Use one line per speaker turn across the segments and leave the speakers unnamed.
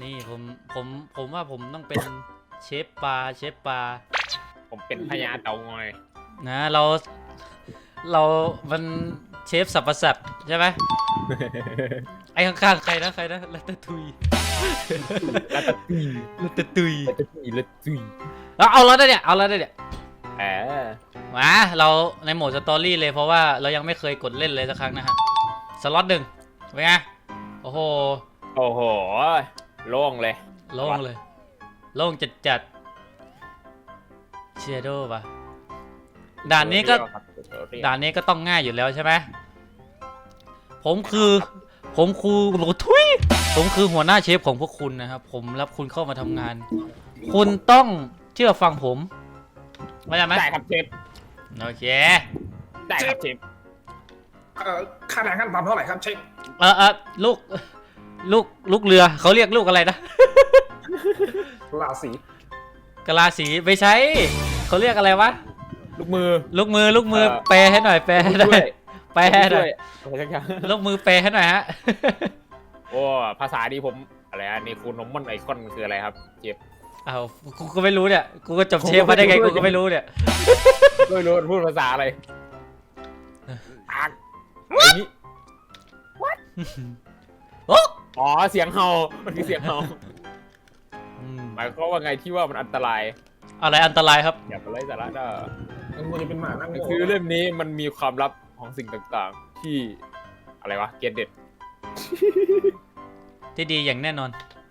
นี่ผมว่าผมต้องเป็นเชฟปลา
ผมเป็นพญาเต่างอย
นะเรามันเชฟสับประสัตว์ใช่ไหม ไอ้ข้างๆใครนะลัตเตอร์ทุย
แล้วก็ตุย
ลัตเตอร์ทุย
แล้วก็ตุยแล้วตุย
เอาแล้วได้เนี่ย
เออ
มาเราในโหมดสตอรี่เลยเพราะว่าเรายังไม่เคยกดเล่นเลยสักครั้งนะฮะสล็อต1เป็นไงโอ้โห
โอ้โหโล่งเลย
โล่งเลยโล่งจัดเชียโดป่ะด่านนี้ก็ต้องง่ายอยู่แล้วใช่ไหมผมคือทุยผมคือหัวหน้าเชฟของพวกคุณนะครับผมรับคุณเข้ามาทำงาน คุณต้องเชื่อฟังผมเข้าใจไหม
ได้ครับเชฟ
โอเค
ได้ครับเชฟ
ค่าแรงขั้นต่ำเท่าไหร่ครับเชฟ
ลูกเรือเขาเรียกลูกอะไรนะ
ราศี
กะลาสีไม่ใช่เขาเรียกอะไรวะ
ลูกมือ
ลูกมือแปลให้หน่อยแปลให้หน่อยแปลให้หน่อย
อะไรสักอย่าง
ลูกมือแปลให้หน่อยฮะ
โอ้ภาษาดีผมอะไรอันนี้คุณนมมันไอคอนคืออะไรครับเชฟ
อ้าวกูก็ไม่รู้เนี่ยกูก็จบเชฟมาได้ไงกูก็ไม่รู้เนี่ย
ไม่รู้พูดภาษาอะไรอะไรนี้
โอ้
อ๋อเสียงเห่ามันคือเสียงเห่าหมายความว่าไงที่ว่ามันอันตราย
อะไรอันตรายครับ
อย่าไปไล่สาระนะ
มันจะเป็นหมานั่ง
หนังสือเล่มนี้มันมีความลับของสิ่งต่างๆ ที่อะไรวะเกตเด็ด
ที่ดีอย่างแน่นอน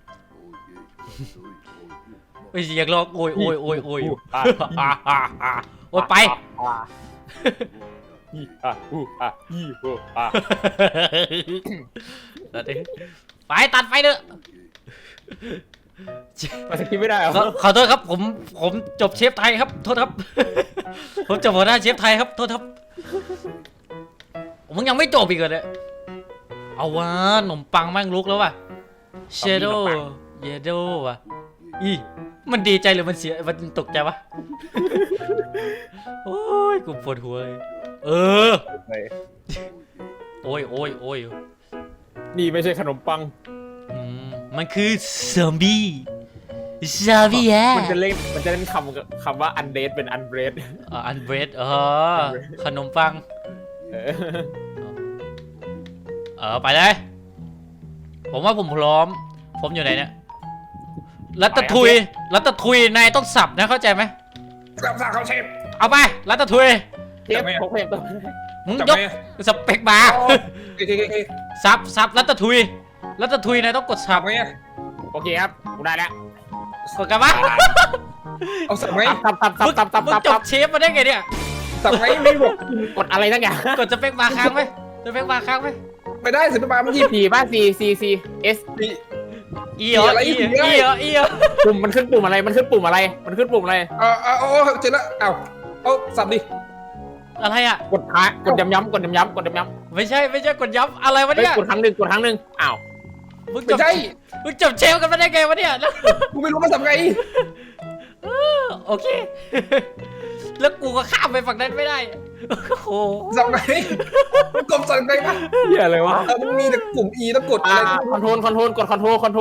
ไม่ใช่อยากลองโอยโอยโอ้ยไปไปตัดไฟเด้อ
มาสกิปไม่ได้เหรอ
ขอโทษครับผมจบเชฟไทยครับโทษครับ ผมจบหัวหน้าเชฟไทยครับโทษครับมึงยังไม่จบอีกเหรอเนี่ยเอาวะขนมปังแม่งลุกแล้วว่ะเชโดเยโดว่ะอีมันดีใจหรือมันเสียมันตกใจวะโอ้ยกูปวดหัวเลยโอ้ย
นี่ไม่ใช่ขนมปัง
มันคือซอมบี้แฮะ
มันจะเล่นคำว่าอันเดดเป็นอันเบรด
อันเบรดขนมปังไปเลยผมว่าผมพร้อมผมอยู่ไหนเนี่ยรัตทุยนายต้องสับนะเข้าใจไหม
รับทราบครับเชฟ
เอาไปรัตทุย
เชฟพกเพลงตัว
มึงยกสเปกบาร์สับรัตทุยนายต้องกดสับ
ไง
โอเคครับกูได้แล้ว
กดกันวะ
เอาสับไหม
มึงจบเชฟมาได้ไงเนี่ย
สับไหมไม่บอก
กดอะไรทั้งอย่าง
กดสเปกบาร์ค้างไหมสเปกบาร์ค้างไหม
ไม่ได้สิบปาเมื่อกี้
ผีป่ะ C S
อีเหรอ
ปุ่มมันขึ้นปุ่มอะไรมันขึ้นปุ่มอะไร
เอาเจอแล้วเอาสับดิ
อะไรอ่ะ
กดย้ำ
ไม่ใช่กดย้ำอะไรวะเนี่ย
กดครั้งหนึ่งอ้าว
มึง
ไม่ใช่
จบเชฟกันมาได้ไงวะเนี่ย
กูไม่รู้ว่าสับไง
โอเค แล้วกูก็ข้ามไปฝั่งนั้นไม่ได้โอ้โห
สับไงกดสับไงปะ
เหี้ยอะไรวะ
มันมีแต่ปุ่ม E แล้วกดอะไร
คอนโทรลกดคอนโทรล
โอ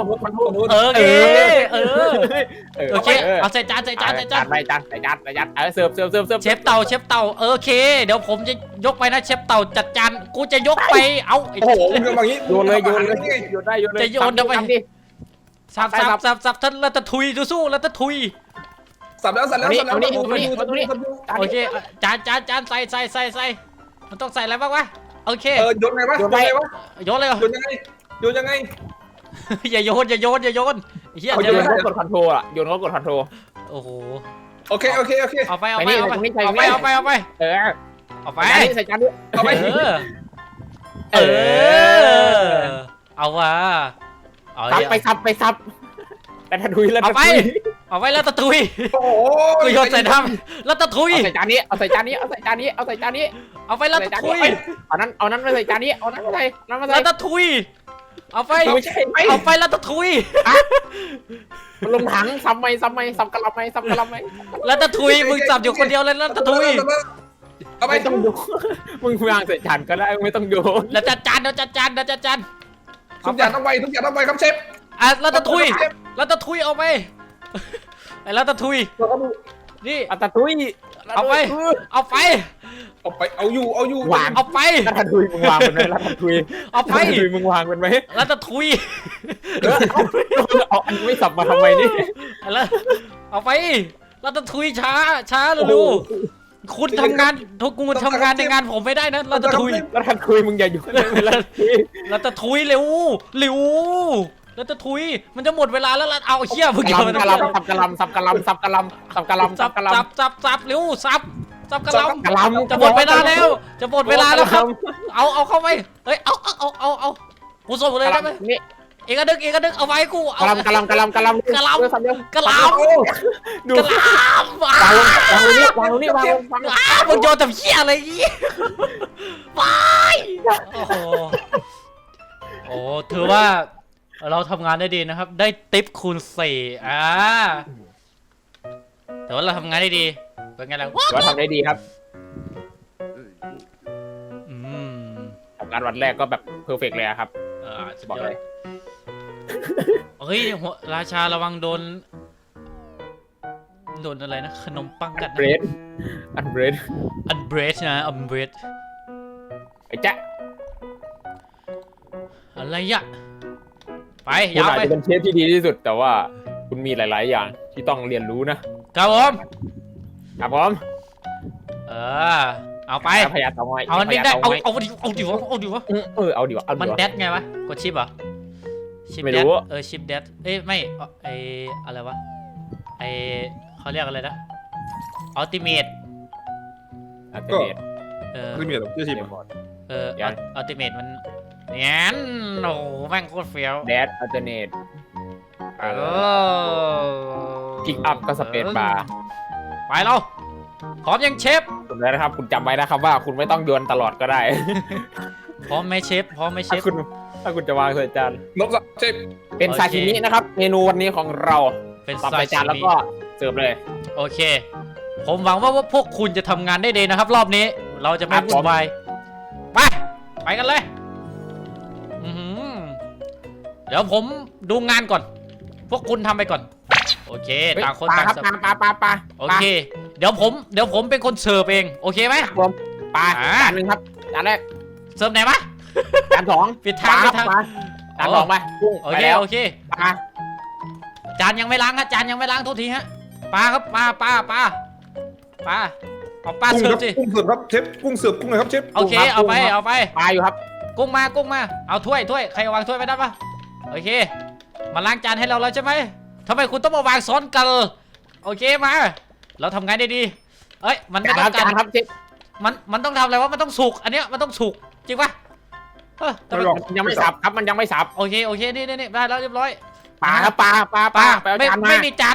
เคเอาใส่จาน
ไปจานเสิร์ฟ
เชฟเต่าโอเคเดี๋ยวผมจะยกไปนะเชฟเต่าจัดจานกูจะยกไปเอา
โอ้โหมึงแบบนี้
โยนได้
จะโยนเดี๋ยวไปสับท่านรัตทุยสู้รัตทุย
สับแล้ว
โอเคจานใส่มันต้องใส่อะไรบ้างวะโอเค
โยนไงวะ
โยนเลย
โยนยังไง
อย่าโยนเฮีย
โยนก็กดคอนโทรลอ่ะโยนก็กดคอนโทรล
โอ้โห
โอเค
เอาไปใ
ส่จานด้วย
เอาไป
เอาวะ
ไปซับแต่ทันทุยแล้ว
เอาไปแล้วตะทุย
โอ้โห
กูโยนใส่น้ำแล้วตะทุย
เอาใส่จานนี้เอาไป
แล้วตะทุย
เอานั้นมาใส่จานนี้เอานั้นมาใส่
แล้วตะทุยเอาไปแล้วตะทุย
ลงถังซับกะละไม
แล้วตะทุยมึงสับอยู่คนเดียวเลยแล้วตะทุย
เอาไป
ไม่ต้องโยนมึงวางใส่จานก็ได้ไม่ต้องโยน
แล้วจัดจาน
ทุกอย่างต้องไวครับเชฟ
รัตทุยเอาไปไอ้รัตทุยนี่
อัตตุย
เอาไป
เอาไปเอาอยู่
วาง
เอาไป
รัตตุยมึงวางเป็นไหมรัตตุย
เอาไป
รัตตุยมึงวางเป็นไหม
รัตทุย
เอาอันไม่สับมาทำไมนี่
แล้วเอาไปรัตทุยช้าเร็วๆคุณทำงานคุณทำงานในงานผมไม่ได้นะรัตทุย
รัตตุยมึงอย่าอยู่เลยรัตตุย
รัตทุยเร็วรัตทุยมันจะหมดเวลาแล้วเอาเชี่ยมึง
กะลำสับกะลำ
สับเร็วสับกระล
กะลำ
ำจะหมดเวลาแล้วครับเอาเข้าไปเฮ้ยเอากูส่งเลยได้ไหม
นี่
เอกดึกเอาไว้กู
กะลำ
กระลำ
ดู
กระลำ
วางลงนี่วางลง
มึงโยนแต่เชี่ยอะไรอย่างงี้ไปโอ้ถือว่าเราทำงานได้ดีนะครับ ได้ทิปคูณ4แต่ว่าเราทำงานได้ดีเป็นไงล่ะ
เราทำได้ดีครับ
อืม
ทำงานวันแรกก็แบบเพอร์เฟกเลยครับ
สุด
บอก
ยอ
เล
ด
ย
เฮ้ยราชาระวังโดนอะไรนะขนมปังกัด
เบรดอันเบรด
อันเบรดนะอันเบรด
ไอ้จ๊ะ
อะไรอะไป
คุณ
ยาว
อาจ
ไป
จะเป็นเชฟที่ดีที่สุด แต่ว่าคุณมีหลาย ๆ อย่างที่ต้องเรียนรู้นะครับ
ผม
ครับผม
เอาไป
พยาเตาไม้
เอามันไม่ได้เอาดิวะ
เอาดีวะเอา
มัน
ดีวะ
แดดไงวะกดชิปเหรอชิป
ไม่
แด
รู้
ดชิปแดดไม่อะไรวะเขาเรียกอะไรนะอัลติเมท
อัลติเมท
ไม่มีหรอกที่สิบ
อัลติเมทมันเนี่ยโอ้แม่งโคตรเฟี้ยว
แดดอัลติเมทพิกอัพก็สเปซบาร์
ไปเราพร้อมยังเชฟ
คุณแล้วนะครับ คุณจำไว้นะครับว่าคุณไม่ต้องโยนตลอดก็ได้
พร้อมไหมเชฟพร้อมไหมเช
ถ้า
ฟ
คุณจะวางใส่จาน
นกเชฟ
เป็น
โอเค
ซาชิมินะครับ เมนูวันนี้ของเรา
เป็น
สับ
ซา
ใส่
ชิ
จานแล้ว
มิ
ก็เสิร์ฟเลย
โอเค ผมหวังว่าพวกคุณจะทำงานได้ดีนะครับ รอบนี้ เราจะไม่
ครับ
วุ่นวายไปกันเลยเดี๋ยวผมดูงานก่อน พวกคุณทำไปก่อน โอเคต่างคนต่าง
ครับ
เสิร์ฟ
ปลา
โอเค เดี๋ยวผมเป็นคนเสิร์ฟเองโอเคไหม
ผมปลา
อ่า
จานหนึ่งครับจานแรก
เสิร์ฟไหนวะ
จานสอง
ปิดทาง
ปล
ปิดทาง
ปลจานสองไปกุ้ง
โอ
ไป
เค
แล้ว
โอเค
ปลา
จานยังไม่ล้างฮะจานยังไม่ล้างโทษทีฮะปลาครับปลาเอาปลา
กุ้ง
เสิร์ฟสิ
กุ้งเสิร์ฟครับเชฟกุ้งเสิร์ฟกุ้งเลยครับเชฟ
โอเคเอาไป
ปลาอยู่ครับ
กุ้งมาเอาถ้วยใครวางถ้วยไปได้ปะโอเค มาล้างจานให้เราแล้วใช่ไหมทำไมคุณต้องมาวางซ้อนกันโอเคมา เราทำงานได้ดีเอ้ยมันไม่ต้อง
จา
การ
นครับเชฟ
มันต้องทำอะไรวะมันต้องสุกอันเนี้ยมันต้องสุกจริงปะทำไม
มันยังไม่สับครับมันยังไม่สับ
โอเคนี่ได้แล้วเรียบร้อย
ปลาครับปลาไปเอาจานมา
ไม่มีจาน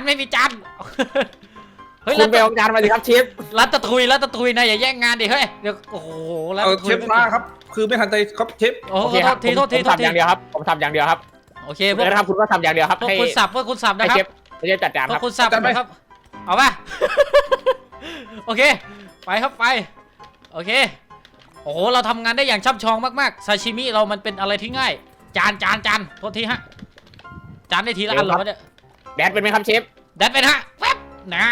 เฮ้ย
คุณไปเอาจานมาสิครับเชฟ
รัตทุยนะอย่าแย่งงานดิเฮ้ยเดี๋ยวโอ้โหรัตทุ
เช
ย
ฟปลาครับคือไม่ทันใจครับเชฟ
โอ้
โอ
โห
เคครับ
โทษที
ผมทำอย่างเดียวครับผมทำอย่างเดียวครับ
โอเค
เดี๋ยวนะครับคุณก็ทำอย่างเดียวครับ
พวก
ให้
คุณสับนะ
ให้
ค
เช
รับ
ฟจัดจาน
พว
ครั
ก
บ
คุณสับนะครับเอาป่ะ โอเคไปครับไปโอเคโอ้โหเราทำงานได้อย่างช่ำชองมากๆซาชิมิเรามันเป็นอะไรที่ง่าย จานโทษทีฮะจานได้ทีละอันเหรอวะเนี่ย
แดดเป็นไหมครับเชฟ
แดดเป็นฮะแป๊บนะ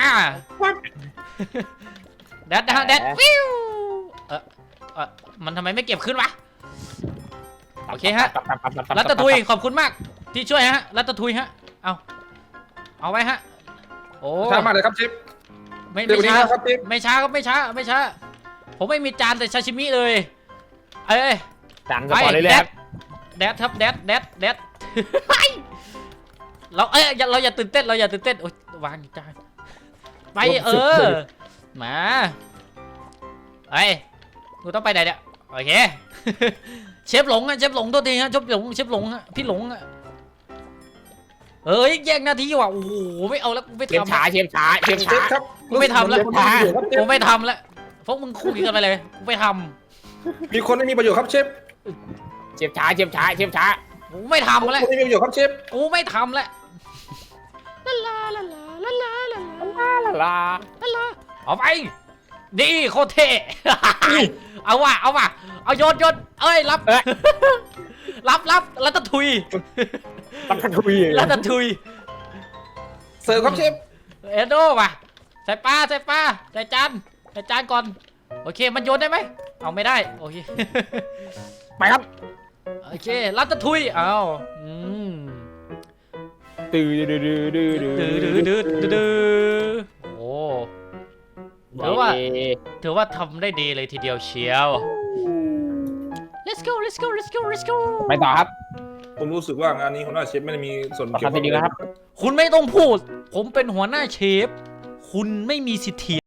แดดนะฮะแดดฟิวมันทำไมไม่เก็บขึ้นวะโอเคฮะรัตทุยขอบคุณมากที่ช่วยฮะรัตทุยฮะเอาไว้ฮะโอ้
ช้ามากเลยครับเชฟ
ไม่
เดี๋ยวนี้
ช้า
ครับเชฟ
ไม่ช้าผมไม่มีจานแต่ซาชิมิเลย
จานสปอร์ตเลยครับ
แดดครับแดด เราเราอย่าตื่นเต้นโอ๊ยวางจานไปมากูต้องไปไหนเนี่ยโอเคเชฟหลงตัวทีฮะเชฟหลงฮะพี่หลงอะแย่งหน้าที่ว่ะโอ้โหไม่เอาแล้วกูไม่
เชฟ
ทำ
ช้า
ครับ
กูไม่ทำแล้ว
เชฟช้าครับเช
กู
ฟ
ไม่ทำแล้วพวกมึงคุยกันไปเลยกูไม่ท
มีคนไม่มีประโยชน์ครับเชฟ
เชฟช้า
ำกูไม่ทำแล้ว
คนไม่มีประโยชน์ครับเชฟ
กูไม่ทำแล้วลา
ลา
เอาไปนี่โคตรเท่ เอาว่ะเอาโยนเอ้ยรับ รับแล้วตะทุย
ตักทันทุย
แล้วตะทุย
เสิร์ฟครับเชฟ
เอโดว่ะใส่ปลาใส่จานก่อนโอเคมันโยนได้ไหมเอาไม่ได้โอเค
ไปครับ
โอเครัตทุยเอา
ตื้อ
โอ้ถือว่าทำได้ดีเลยทีเดียวเชียว let's go
ไปต่อครับ
ผมรู้สึกว่างานนี้หัวหน้าเชฟไม่ได้มีส่วน
ขอ
เกี่ยว
ทำดีนะครับ
คุณไม่ต้องพูดผมเป็นหัวหน้าเชฟคุณไม่มีสิทธิ